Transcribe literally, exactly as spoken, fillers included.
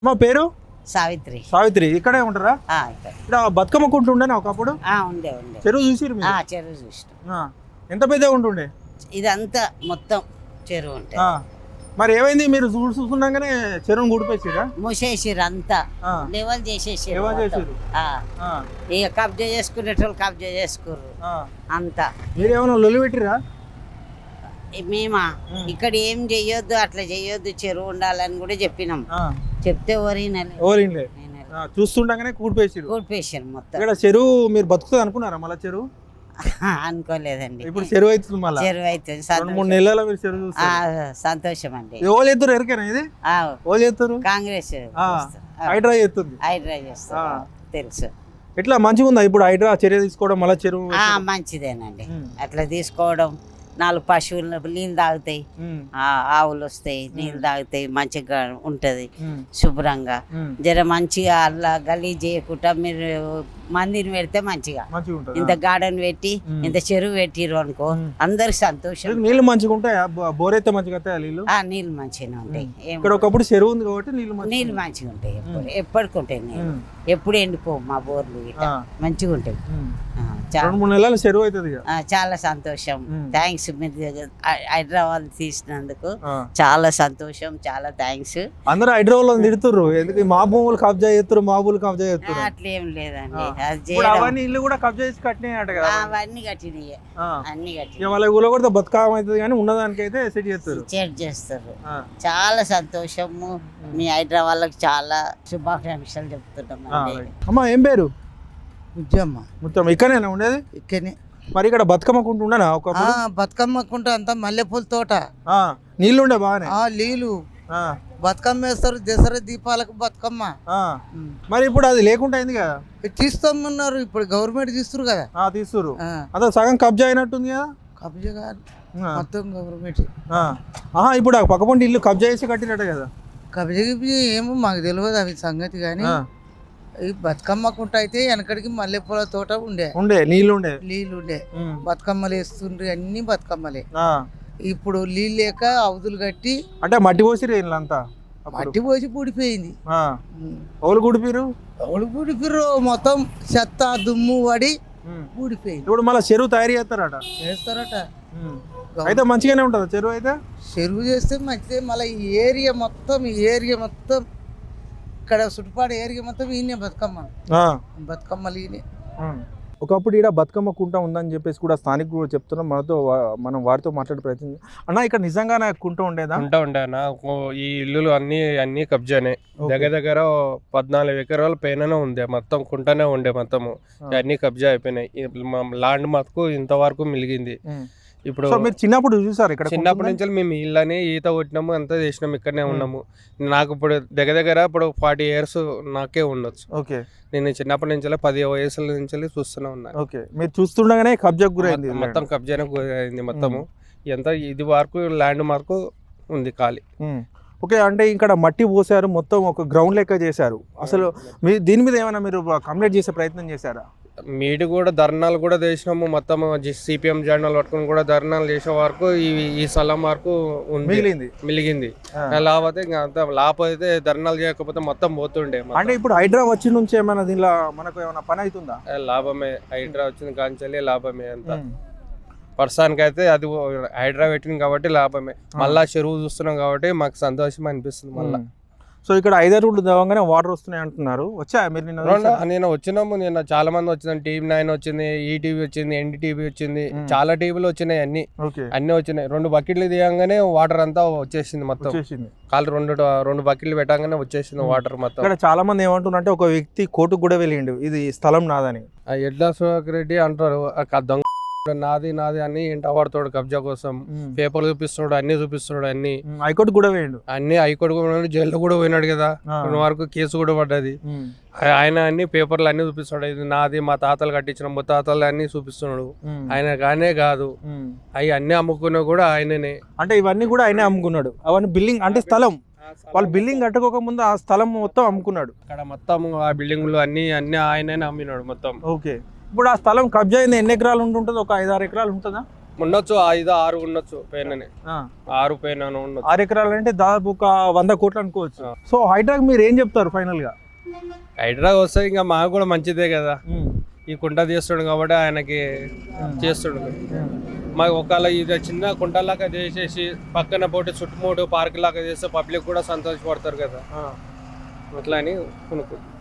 మా పేరు సావిత్రి. సావిత్రి ఇక్కడే ఉంటారా? ఇక్కడ బతుకమ్మ కుంటు ఉండేనా ఒకప్పుడు? ఉండే ఉండే చెరువు చూసిరు మీరు? చెరువు చూసినాం. ఎంత పెద్దగా ఉంటుండే? ఇదంతా మొత్తం చెరువు ఉంటే మరి ఏమైంది? మీరు చూస్తున్నాగానే చెరువును గుడిపేసిరా? మూసేసిరు అంతా, లెవెల్ చేసేసారు. ఇక కబ్జా చేసుకునేటోళ్ళు కబ్జా చేసుకుర్రు అంతా. మీరు ఏమైనా లొల్లి పెట్టిరా? మేమా ఇక్కడ ఏం చెయ్యొద్దు, అట్లా చెయ్యొద్దు, చెరువు ఉండాలని కూడా చెప్పినాం. చెప్తే ఓరినలే చూస్తుండగానే కూడిపేసారు కూడిపేసారు మొత్తం. ఇక్కడ చెరువు మీరు బతుకుతుంది అనుకున్నారా? మళ్ళీ చెరువు అనుకోలేదండి. ఇప్పుడు చెరువు అవుతుంది, మళ్ళీ చెరువు అవుతుంది. రెండు మూడు నెలల మీరు చెరువు సంతోషం అండి. ఓలు ఎత్తురు ఎరికేనా? ఇది ఓలు ఎత్తురు కాంగ్రెస్ హైడ్రా ఎత్తుంది. హైడ్రా చేస్తారు తెలుసు. ఎట్లా మంచిగా ఉందా ఇప్పుడు హైడ్రా చర్య తీసుకోవడం? మళ్ళీ చెరువు మంచిదేనండి అట్లా తీసుకోవడం. నాలుగు పశువులు నీళ్ళు తాగుతాయి, ఆవులు వస్తాయి, నీళ్ళు తాగుతాయి, మంచిగా ఉంటది శుభ్రంగా. జర మంచిగా అలా గలీజ్ చేయకుండా మీరు మందిని పెడితే మంచిగా ఇంత గార్డెన్ పెట్టి ఇంత చెరువు పెట్టిరు అనుకో అందరికి సంతోషం. నీళ్ళు మంచిగా ఉంటాయి, బోర్ అయితే మంచిగా నీళ్ళు నీళ్ళు మంచిగా ఉంటాయి. ఇక్కడ ఒకప్పుడు చెరువు ఉంది కాబట్టి నీళ్ళు నీళ్ళు మంచిగా ఉంటాయి. ఎప్పుడు ఎప్పటికి ఉంటాయి నీళ్ళు, ఎప్పుడు ఎండిపో మా బోర్లు మంచిగా ఉంటాయి. చెరువు అవుతుంది. చాలా సంతోషం. థ్యాంక్స్ మీరు హైదరాబాద్ తీసినందుకు చాలా సంతోషం, చాలా థ్యాంక్స్. అందరూ హైదరాబాద్ తిడుతుర్రు, ఎందుకు మా భూములు కబ్జా చేస్తారు, మా భూములు కబ్జా చేస్తారు. అట్లేం లేదండి, అవన్నీ ఇల్లు కూడా కబ్జా చేసి కట్టినాయట కదా? అవన్నీ కట్టినాయి, అన్ని కట్టి వాళ్ళ ఊళ్ళో కూడా బతుకమ్మ అవుతుంది కానీ ఉన్నదానికి అయితే సెట్ చేస్తారు సెట్ చేస్తారు. చాలా సంతోషము. మీ హైదరాబాద్ చాలా శుభాకాంక్షలు చెప్తున్నాం. అమ్మా ఏం పేరు? ముత్యమ్మ. ముత్యమ్మ ఇక్కడనేనా ఉండేది? ఇక్కడనే. మరి ఇక్కడ బతుకమ్మ కుంట ఉండనా? ఒక బతుకమ్మ కుంట అంతా మల్లెపూల తోట, నీళ్ళు ఉండే బాగానే. నీళ్ళు బతుకమ్మ వేస్తారు దసరా దీపాలకు బతుకమ్మ. మరి ఇప్పుడు అది లేకుండా అయింది కదా? తీస్తామన్నారు, ఇప్పుడు గవర్నమెంట్ తీస్తారు కదా. తీస్తారు, అదే సగం కబ్జా అయినట్టుంది కదా? కబ్జా కాదు, మొత్తం గవర్నమెంట్. ఇప్పుడు ఆ పక్కపంటి ఇల్లు కబ్జా చేసి కట్టినట్టు కదా? కబ్జా ఏమో మాకు తెలియదు అవి సంగతి. కానీ ఈ బతుకమ్మ కుంట అయితే వెనకడికి మల్లెపూల తోట ఉండే ఉండే నీళ్ళు ఉండే నీళ్ళు ఉండే బతుకమ్మలు వేస్తుండ్రి, అన్ని బతుకమ్మలే. ఇప్పుడు నీళ్ళు లేక అవధులు కట్టి అంటే మట్టి పోసిరు అంతా, మట్టి పోసి పూడిపోయింది. ఎవరు గుడిపిరు? ఎవరు గుడిపిరు? మొత్తం చెత్త దుమ్ము పడి పూడిపోయింది. ఇప్పుడు మళ్ళీ చెరువు తయారు చేస్తారట? చేస్తారట. అయితే మంచిగానే ఉంటుందా చెరువు? అయితే చెరువు చేస్తే మంచిదే. మళ్ళీ ఈ ఏరియా మొత్తం ఈ ఏరియా మొత్తం ఇక్కడ చుట్టుపాటు ఏరియా మొత్తం ఈయనే బతుకమ్మ బతుకమ్మలు ఈయనే. ఒకప్పుడు ఇక్కడ బతుకమ్మ కుంట ఉందని చెప్పేసి కూడా స్థానికులు కూడా చెప్తున్నాం. మనతో మనం వారితో మాట్లాడే ప్రయత్నం. అన్న ఇక్కడ నిజంగానే కుంట ఉండేదా? కుంట ఉండే అన్న. ఈ ఇల్లులు అన్ని అన్ని కబ్జానే. దగ్గర దగ్గర పద్నాలుగు ఎకరాల పైననే ఉండే, మొత్తం కుంటనే ఉండే, మొత్తము అన్ని కబ్జా అయిపోయినాయి. ల్యాండ్ మతుకు ఇంతవరకు మిలిగింది. ఇప్పుడు మీరు చిన్నప్పుడు చూసారు ఇక్కడ? చిన్నప్పటి నుంచి మేము ఇళ్ళని ఈత కొట్టినాము, అంతా చేసినాము, ఇక్కడనే ఉన్నాము. నాకు ఇప్పుడు దగ్గర దగ్గర ఇప్పుడు ఫార్టీ ఇయర్స్ నాకే ఉండొచ్చు. ఓకే, నేను చిన్నప్పటి నుంచి పది వయసుల నుంచి చూస్తూనే ఉన్నాను. ఓకే, మీరు చూస్తుండగానే కబ్జాకు గురైంది, మొత్తం కబ్జానే గురైంది మొత్తము. ఎంత ఇది వరకు ల్యాండ్ మార్కు ఉంది ఖాళీ. ఓకే, అంటే ఇక్కడ మట్టి పోసారు, మొత్తం ఒక గ్రౌండ్ లెక్క చేశారు. అసలు మీ దీని మీద ఏమైనా మీరు కంప్లైంట్ చేసే ప్రయత్నం చేశారా? మీటి కూడా ధర్నాలు కూడా చేసినాము, మొత్తం సిపిఎం జెండాలు పట్టుకుని కూడా ధర్నాలు చేసే వరకు ఈ ఈ స్థలం వరకు మిగిలింది మిలిగింది లేకపోతే అంత లేకపోతే ధర్నాలు చేయకపోతే మొత్తం పోతుండే. అంటే ఇప్పుడు హైడ్రా వచ్చి నుంచి ఏమైనా దీనిలో మనకు ఏమైనా పని అవుతుందా? లాభమే, హైడ్రా వచ్చింది కాంచెల్లి లాభమే. అంత ప్రస్తుతానికి అయితే అది హైడ్రా పెట్టింది కాబట్టి లాభమే. మళ్ళా చెరువు చూస్తున్నాం కాబట్టి మాకు సంతోషం అనిపిస్తుంది మళ్ళా. సో ఇక్కడ ఐదారు రోడ్లు దవంగానే వాటర్ వస్తున్నాయి అంటున్నారు. వచ్చా మీరు? నిన్న నేను వచ్చినాము, నిన్న చాలా మంది వచ్చింది. టీవీ నైన్ వచ్చింది, ఈటీవీ వచ్చింది, ఎన్డీటీవీ వచ్చింది, చాలా టీవీలు వచ్చినాయి. అన్ని అన్ని వచ్చినాయి. రెండు బకెట్లు దిగంగానే వాటర్ అంతా వచ్చేసింది మొత్తం. కాలు రెండు రెండు బకెట్లు పెట్టగానే వచ్చేసింది వాటర్ మొత్తం. ఇక్కడ చాలా మంది ఏమంటున్నారంటే ఒక వ్యక్తి కోర్టుకు కూడా వెళ్ళిండు ఇది స్థలం నాదని. ఎడ్ల సుధాకర్ రెడ్డి అంటారు దొంగ నాది నాది అని ఇంట పడతాడు కబ్జా కోసం. పేపర్లు చూపిస్తున్నాడు, అన్ని చూపిస్తున్నాడు, అన్ని హైకోర్టు కూడా పోయిండు, అన్ని హైకోర్టు కూడా జైల్లో కూడా పోయినాడు కదా. కొన్ని వరకు కేసు కూడా పడ్డది. ఆయన అన్ని పేపర్లు అన్ని చూపిస్తున్నాడు, ఇది నాది, మా తాతలు కట్టించిన ముత్తాతలు అన్ని చూపిస్తున్నాడు. ఆయన కానే కాదు, అవి అన్ని అమ్ముకున్నా కూడా ఆయననే. అంటే ఇవన్నీ కూడా ఆయనే అమ్ముకున్నాడు. అవన్నీ బిల్డింగ్ అంటే స్థలం, వాళ్ళు బిల్డింగ్ కట్టుకోక ముందు ఆ స్థలం మొత్తం అమ్ముకున్నాడు. అక్కడ మొత్తం ఆ బిల్డింగ్లు అన్ని అన్ని ఆయననే అమ్మినాడు మొత్తం. ఓకే, ఇప్పుడు ఆ స్థలం కబ్జా అయింది ఎన్ని ఎకరాలు ఉంటుంటుంది? ఒక ఐదారు ఎకరాలు ఉంటుందా? ఉండొచ్చు ఐదు ఆరు ఉండొచ్చు పైననే ఆరు పైన ఉండొచ్చు. ఆరు ఎకరాలు అంటే దాదాపు ఒక వంద కోట్లు అనుకోవచ్చు. సో హైడ్రాక్ మీరు ఏం చెప్తారు ఫైనల్ గా? హైడ్రా వస్తే ఇంకా మాకు కూడా మంచిదే కదా, ఈ కుంట తీస్తాడు కాబట్టి ఆయనకి చేస్తాడు. మాకు ఒకవేళ ఇది చిన్న కుంటలాగా చేసేసి పక్కన పోటీ చుట్టుముట్టు పార్క్ లాగా చేస్తే పబ్లిక్ కూడా సంతోషపడతారు కదా, అట్లా అని అనుకుంటున్నాం.